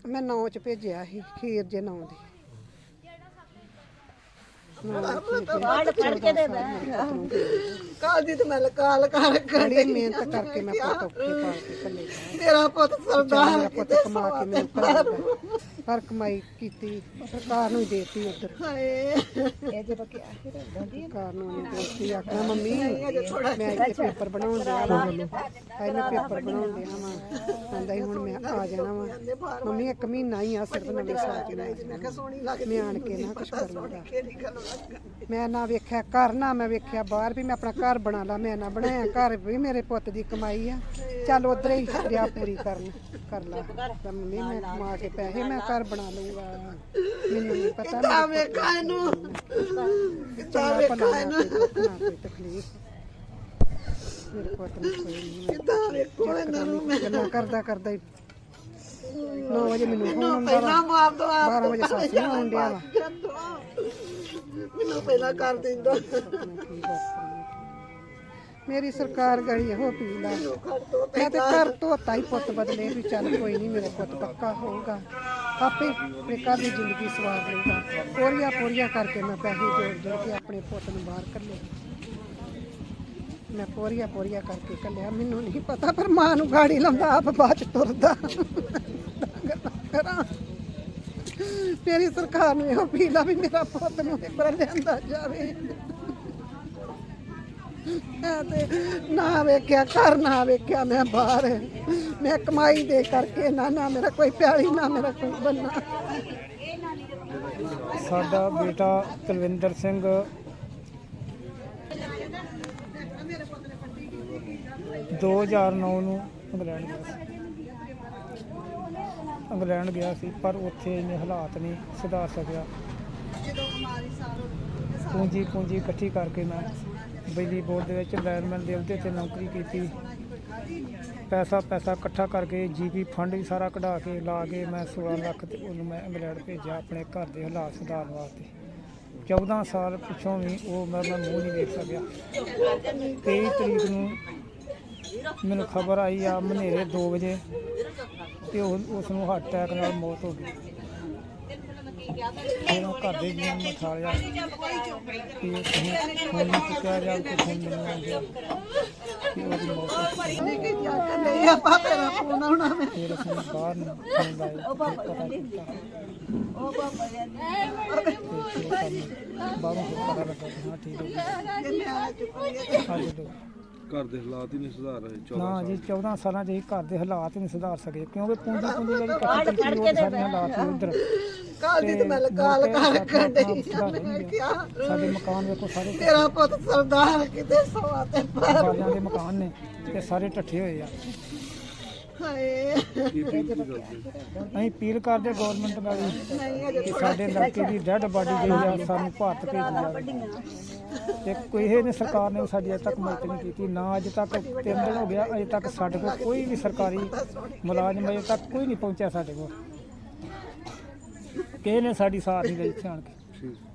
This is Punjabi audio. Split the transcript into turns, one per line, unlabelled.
ਮੈਂ 9 ਚ ਭੇਜਿਆ ਸੀ ਖੀਰ ਜੇ 9 ਦੀ
ਕਾਦੀ ਤੇ ਮੈਂ ਕਾਲ
ਬੜੀ ਮਿਹਨਤ ਕਰਕੇ ਮੈਂ ਪੁੱਤ ਔਖੇ ਪਾਲ ਕੇ ਕੱਲੇ
ਮੇਰਾ ਪੁੱਤ ਸਰਦਾਰ
ਮੇਰਾ ਪੁੱਤ ਕਮਾ ਕੇ ਮੈਨੂੰ ਘਰ ਪਰ ਕਮਾਈ ਕੀਤੀ ਸਰਕਾਰ ਨੂੰ ਹੀ ਦੇਤੀ ਉਧਰ
ਹਾਏ
ਸਰਕਾਰ ਨੂੰ ਨਹੀਂ ਦੇਤੀ ਆਖਣਾ ਮੰਮੀ ਮੈਂ ਇੱਥੇ ਪੇਪਰ ਬਣਾਉਣ ਦਿਆ ਵਾ ਮੈਂ ਪੇਪਰ ਬਣਾਉਣ ਦਿਆ ਵਾ ਕਹਿੰਦਾ ਸੀ ਹੁਣ ਮੈਂ ਆ ਜਾਣਾ ਵਾ ਮੰਮੀ 1 ਮਹੀਨਾ ਹੀ ਆ ਸਿਰਫ ਨਵੇਂ ਸਾਲ ਚ
ਮੈਂ ਕਿਹਾ ਸੋਹਣੀ ਲੱਗਦੀ
ਮੈਂ ਆਣ ਕੇ ਨਾ ਕੁਛ ਕਰ ਲਵਾਂਗਾ
ਕਿਹੜੀ ਗੱਲ
ਮੈਂ ਨਾ ਵੇਖਿਆ ਘਰ ਨਾ ਮੈਂ ਵੇਖਿਆ ਬਾਹਰ ਵੀ ਮੈਂ ਆਪਣਾ ਘਰ ਬਣਾ ਲਾ ਮੈਂ ਨਾ ਬਣਾਇਆ ਘਰ ਵੀ ਮੇਰੇ ਪੁੱਤ ਦੀ ਕਮਾਈ ਆ ਚੱਲ ਉਧਰ ਹੀ ਰਿਆ ਪੂਰੀ ਕਰ ਲਾ ਤਾਂ ਮੰਮੀ ਮੈਂ ਕਮਾ ਕੇ ਪੈਸੇ ਮੈਂ ਘਰ ਬਣਾ ਲਊਗਾ ਮੈਨੂੰ ਨਹੀਂ ਪਤਾ
ਤਾਂ ਵੇਖਾਂ ਇਹਨੂੰ
ਕਿੱਦਾਂ ਵੇਖਾਂ ਇਹਨੂੰ ਕੋਈ ਤਕਲੀਫ ਮੇਰੇ ਪੁੱਤ ਨੂੰ ਕੋਈ ਨਹੀਂ
ਕਿੱਦਾਂ ਵੇਖੋ ਇਹਨਾਂ ਨੂੰ ਮੈਂ
ਗੱਲਾਂ ਕਰਦਾ ਹੀ 9 ਵਜੇ ਮੈਨੂੰ ਫੋਨ ਆਉਂਦਾ
ਪਹਿਲਾਂ ਮਾਰ ਦੋ
12 ਵਜੇ ਸੱਸ ਨੂੰ ਆਉਣ ਡਿਆ ਵਾ
ਮੈਨੂੰ ਪਹਿਲਾਂ ਕਰ ਦਿੰਦਾ
ਮੇਰੀ ਸਰਕਾਰ ਗਈ ਇਹੋ ਅਪੀਲ ਆ ਮੈਂ ਤੇ ਘਰ ਧੋਤਾ ਹੀ ਪੁੱਤ ਬਦਲੇ ਵੀ ਚੱਲ ਕੋਈ ਨਹੀਂ ਮੇਰਾ ਪੁੱਤ ਪੱਕਾ ਹੋਊਗਾ ਆਪੇ ਆਪਣੇ ਘਰ ਦੀ ਜ਼ਿੰਦਗੀ ਸਵਾਰ ਲਊਗਾ ਪੋਰੀਆਂ ਕਰਕੇ ਮੈਂ ਪੈਸੇ ਜੋੜ ਕੇ ਆਪਣੇ ਪੁੱਤ ਨੂੰ ਬਾਹਰ ਕੱਢੇ ਮੈਂ ਪੋਰੀਆਂ ਕਰਕੇ ਕੱਲਿਆ ਮੈਨੂੰ ਨਹੀਂ ਪਤਾ ਪਰ ਮਾਂ ਨੂੰ ਗਾੜੀ ਲਾਉਂਦਾ ਆਪ ਬਾਅਦ ਚ ਤੁਰਦਾ ਕਰਾਂ ਮੇਰੀ ਸਰਕਾਰ ਨੂੰ ਇਹੋ ਅਪੀਲ ਆ ਵੀ ਮੇਰਾ ਪੁੱਤ ਨੂੰ ਇੱਧਰ ਲਿਆਂਦਾ ਜਾਵੇ ਤੇ ਨਾ ਵੇਖਿਆ ਘਰ ਨਾ ਵੇਖਿਆ ਮੈਂ ਬਾਹਰ ਮੈਂ ਕਮਾਈ ਦੇ ਕਰਕੇ ਨਾ ਮੇਰਾ ਕੋਈ ਪਿਆਲੀ ਨਾ ਮੇਰਾ ਕੋਈ ਬੰਨਾ
ਸਾਡਾ ਬੇਟਾ ਤਲਵਿੰਦਰ ਸਿੰਘ ਦੋ 2009 ਨੂੰ ਇੰਗਲੈਂਡ ਗਿਆ ਸੀ ਪਰ ਉੱਥੇ ਇੰਨੇ ਹਾਲਾਤ ਨਹੀਂ ਸੁਧਾਰ ਸਕਿਆ ਪੂੰਜੀ ਇਕੱਠੀ ਕਰਕੇ ਮੈਂ ਬਿਜਲੀ ਬੋਰਡ ਦੇ ਵਿੱਚ ਲਾਈਨਮੈਨ ਦੇ ਅਹੁਦੇ 'ਤੇ ਨੌਕਰੀ ਕੀਤੀ ਪੈਸਾ ਇਕੱਠਾ ਕਰਕੇ ਜੀਪੀ ਫੰਡ ਵੀ ਸਾਰਾ ਕਢਾ ਕੇ ਲਾ ਕੇ ਮੈਂ 16 ਲੱਖ ਤੇ ਉਹਨੂੰ ਮੈਂ ਇੰਗਲੈਂਡ ਭੇਜਿਆ ਆਪਣੇ ਘਰ ਦੇ ਹਾਲਾਤ ਸੁਧਾਰਨ ਵਾਸਤੇ 14 ਸਾਲ ਪਿੱਛੋਂ ਵੀ ਉਹ ਮੈਂ ਮੂੰਹ ਨਹੀਂ ਦੇਖ ਸਕਿਆ 23 ਤਰੀਕ ਨੂੰ ਮੈਨੂੰ ਖਬਰ ਆਈ ਆ ਮਨੇਰੇ 2 ਵਜੇ ਤੇ ਉਸ ਨੂੰ ਹਾਰਟ ਅਟੈਕ ਨਾਲ ਮੌਤ ਹੋ ਗਈ ਉਹਨਾਂ ਘਰ ਦੇ ਜੀਵਨ ਨੂੰ ਠਾਲਿਆ ਕਿ ਹੁਣ ਨਹੀਂ ਚੁੱਕਿਆ ਜਾਂ ਕੁਝ ਮੈਨੂੰ ਆ ਗਿਆ ਕਿ ਉਹਦੀ ਮੌਤ ਹੋ ਗਈ
ਨਹੀਂ ਆਪਾਂ ਤੇਰਾ ਫੋਨ ਆਉਣਾ ਮੈਂ
ਫਿਰ ਅਸੀਂ ਬਾਹਰ ਨੂੰ ਫੋਨ ਲਾਇਆ ਪਤਾ ਕੀਤਾ ਬਾਹਰੋਂ ਪਤਾ ਲੱਗਾ ਕਿ ਹਾਂ ਠੀਕ ਹੋ ਗਈ
ਘਰ ਦੇ ਹਾਲਾਤ ਹੀ ਨਹੀਂ ਸੁਧਾਰ ਰਹੇ
ਨਾ ਜੀ 14 ਸਾਲਾਂ 'ਚ ਅਸੀਂ ਘਰ ਦੇ ਹਾਲਾਤ ਹੀ ਨਹੀਂ ਸੁਧਾਰ ਸਕੇ ਕਿਉਂਕਿ ਪੂੰਜੀ ਜਿਹੜੀ ਇਕੱਠੀ ਕੀਤੀ ਉਹ ਸਾਡੇ ਹਾਲਾਤ ਸੀ ਉੱਧਰ
ਕਾਲ ਦੀ ਤੇ ਮੈਂ ਕਾਲ ਕਰ ਡਈ ਮੈਂ ਕਿਹਾ
ਸਾਡੇ ਮਕਾਨ ਵੇਖੋ ਸਾਰੇ
ਮੇਰਾ ਪੁੱਤ ਸਰਦਾਰ ਕਿਤੇ ਸਵਾ ਤੇ ਪਰ
ਬਾਲਿਆਂ ਦੇ ਮਕਾਨ ਨੇ ਤੇ ਸਾਰੇ ਢੱਠੇ ਹੋਏ ਆ
ਹਾਏ
ਅਸੀਂ ਅਪੀਲ ਕਰਦੇ ਗਵਰਨਮੈਂਟ ਨਾਲ ਕਿ ਸਾਡੇ ਲੜਕੇ ਦੀ ਡੈਡ ਬਾਡੀ ਜਿਹੜੀ ਆ ਸਾਨੂੰ ਭਾਰਤ ਭੇਜੀ ਜਾਵੇ ਤੇ ਕੋਈ ਇਹ ਨੇ ਸਰਕਾਰ ਨੇ ਸਾਡੀ ਅਜੇ ਤੱਕ ਮਦਦ ਨਹੀਂ ਕੀਤੀ ਨਾ ਅਜੇ ਤੱਕ 3 ਦਿਨ ਹੋ ਗਿਆ ਅਜੇ ਤੱਕ ਸਾਡੇ ਕੋਲ ਕੋਈ ਵੀ ਸਰਕਾਰੀ ਮੁਲਾਜ਼ਮ ਅਜੇ ਤੱਕ ਕੋਈ ਨਹੀਂ ਪਹੁੰਚਿਆ ਸਾਡੇ ਕੋਲ ਕਿਸੇ ਨੇ ਸਾਡੀ ਸਾਥ ਨਹੀਂ ਲਈ ਇੱਥੇ ਆਣ ਕੇ